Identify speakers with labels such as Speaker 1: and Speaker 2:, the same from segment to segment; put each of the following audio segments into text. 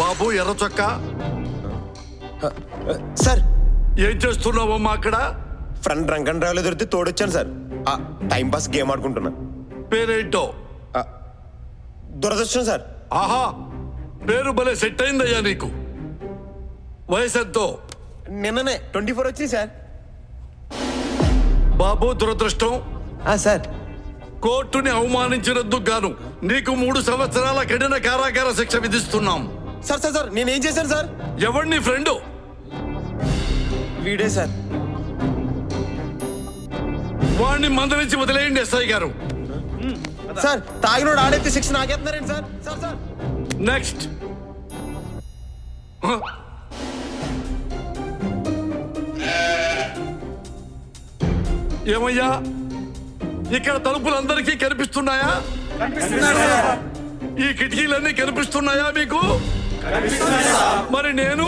Speaker 1: బాబు ఎర్ర చొక్కా
Speaker 2: సార్
Speaker 1: ఏం చేస్తున్నావమ్మా అక్కడ?
Speaker 2: ఫ్రెండ్ డ్రంక్ అండ్ డ్రైవ్లో దొరికితే తోడొచ్చాను సార్. టైం పాస్ గేమ్ ఆడుకుంటున్నా.
Speaker 1: పేరేంటో?
Speaker 2: దురదృష్టం సార్.
Speaker 1: ఆహా, పేరు భలే సెట్ అయిందయ్యా నీకు. వయసు ఎంతో?
Speaker 2: నిన్ననే 24 వచ్చింది సార్.
Speaker 1: బాబు దురదృష్టం,
Speaker 2: సార్
Speaker 1: కోర్టుని అవమానించినందుకు గాను నీకు 3 సంవత్సరాల కఠిన కారాగార శిక్ష విధిస్తున్నాం.
Speaker 2: సార్ సార్ సార్ నేనేం చేశాను సార్?
Speaker 1: ఎవరిని ఫ్రెండ్?
Speaker 2: వీడే సార్.
Speaker 1: వాడిని మందలించి వదిలేయండి ఎస్ఐ గారు.
Speaker 2: సార్ తాగినోడు ఆడైతే శిక్ష నాకేస్తున్నారండి సార్. Sir sir
Speaker 1: next. ఏమయ్యా, ఇక్కడ తలుపులందరికీ కనిపిస్తున్నాయా? ఈ కిటికీలన్నీ కనిపిస్తున్నాయా మీకు? మరి నేను?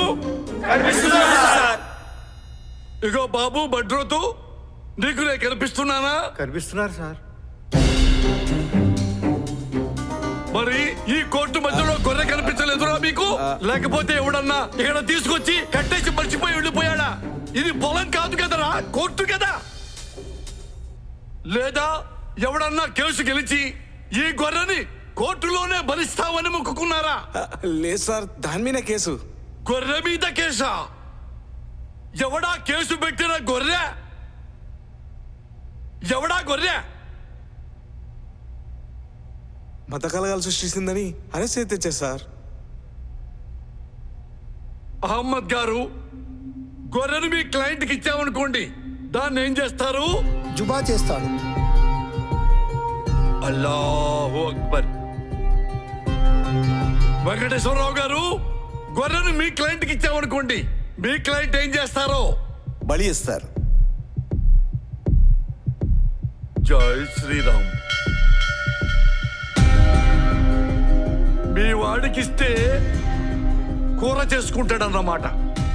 Speaker 1: ఇగో బాబు బడ్రోతు, నీకు నేను కనిపిస్తున్నానా?
Speaker 3: కనిపిస్తున్నారు సార్.
Speaker 1: మరి ఈ కోర్టు మధ్యలో గొర్రె కనిపించలేదురా మీకు? లేకపోతే ఎవడన్నా ఇక్కడ తీసుకొచ్చి కట్టేసి మర్చిపోయి వెళ్ళిపోయాడా? ఇది పొలం కాదు కదరా, కోర్టు కదా. లేదా ఎవడన్నా కేసు గెలిచి ఈ గొర్రెని కోర్టులోనే భరిస్తామని మొక్కుకున్నారా?
Speaker 3: లేదు సార్, దాని మీద కేసు.
Speaker 1: గొర్రె మీద కేసా? ఎవడా కేసు పెట్టిన గొర్రె? ఎవడా గొర్రె?
Speaker 3: మత కలగాలు సృష్టిస్తుందని అరెస్ట్ అయితే తెచ్చారు సార్.
Speaker 1: అహ్మద్ గారు, గొర్రెను మీ క్లయింట్కి ఇచ్చామనుకోండి, దాన్ని ఏం చేస్తారు?
Speaker 4: జుబా చేస్తాడు.
Speaker 1: అల్లాహు అక్బర్. వెంకటేశ్వరరావు గారు, గొర్రెను మీ క్లయింట్కి ఇచ్చామనుకోండి, మీ క్లయింట్ ఏం చేస్తారో?
Speaker 4: బలి ఇస్తారు.
Speaker 1: జై శ్రీరామ్. మీ వాడికిస్తే కూర చేసుకుంటాడన్నమాట.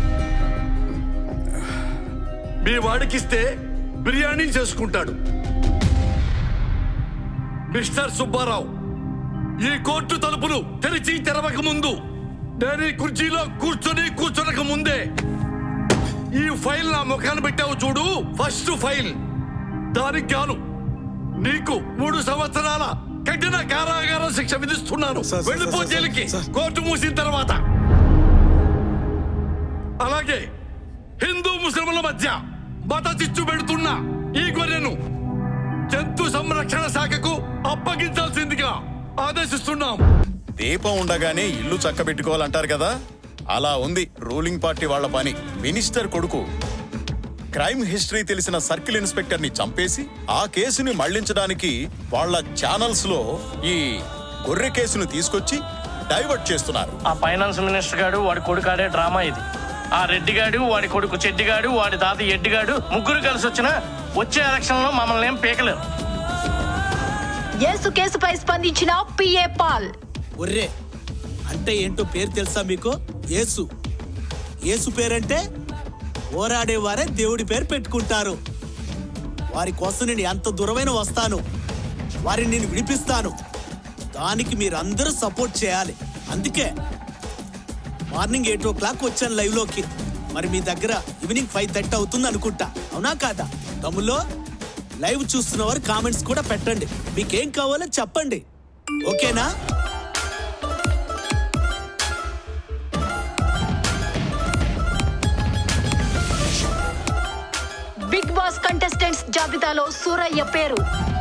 Speaker 1: మీ వాడికిస్తే బిర్యానీ చేసుకుంటాడు. మిస్టర్ సుబ్బారావు, ఈ కోర్టు తలుపులు తెరిచి తెరవక ముందు, నేను ఈ కుర్చీలో కూర్చొనక ముందే ఈ ఫైల్ నా ముఖాన్ని పెట్టావు చూడు, ఫస్ట్ ఫైల్. దానికి గాను నీకు 3 సంవత్సరాల కఠిన కారాగార శిక్ష విధిస్తున్నాను. వెళ్ళిపో జైలుకి, కోర్టు మూసిన తర్వాత. అలాగే హిందూ ముస్లింల మధ్య మత చిచ్చు పెడుతున్న ఈ గొర్రెను జంతు సంరక్షణ శాఖకు అప్పగించాల్సిందిగా ఆదేశిస్తున్నాం.
Speaker 5: దీపం ఉండగానే ఇల్లు చక్కబెట్టుకోవాలంటారు కదా, అలా ఉంది రూలింగ్ పార్టీ వాళ్ల పని. మినిస్టర్ కొడుకు క్రైమ్ హిస్టరీ తెలిసిన సర్కిల్ ఇన్స్పెక్టర్ ని చంపేసి ఆ కేసుని మళ్లించడానికి వాళ్ళ ఛానల్స్ లో ఈ గొర్రె కేసును తీసుకొచ్చి డైవర్ట్ చేస్తున్నారు.
Speaker 6: ఆ ఫైనాన్స్ మినిస్టర్ గాడు వాడి కొడుకు ఆడే డ్రామా ఇది. ఆ రెడ్డిగాడు, వాడి కొడుకు చెడ్డిగాడు, వాడి తాత ఎడ్డిగాడు ముగ్గురు కలిసి వచ్చే ఎలక్షన్ లో మమ్మల్ని ఏం పీకలేరు.
Speaker 7: యేసు కేసుపై స్పందించిన పిఏ పాల్.
Speaker 8: ఒర్రే అంటే ఏంటో పేరు తెలుసా మీకు? యేసు. యేసు పేరంటే పోరాడేవారే దేవుడి పేరు పెట్టుకుంటారు. వారి కోసం నేను ఎంత దూరమైన వస్తాను, వారిని నేను విడిపిస్తాను. దానికి మీరందరూ సపోర్ట్ చేయాలి. అందుకే మార్నింగ్ 8 o'clock వచ్చాను లైవ్ లోకి. మరి మీ దగ్గర ఈవినింగ్ 5:30 అవుతుంది అనుకుంటా, అవునా కాదా? తమ్ముల్లో లైవ్ చూస్తున్న వారు కామెంట్స్ కూడా పెట్టండి, మీకేం కావాలో చెప్పండి, ఓకేనా?
Speaker 7: బిగ్ బాస్ కంటెస్టెంట్స్ జాబితాలో సూరయ్య పేరు.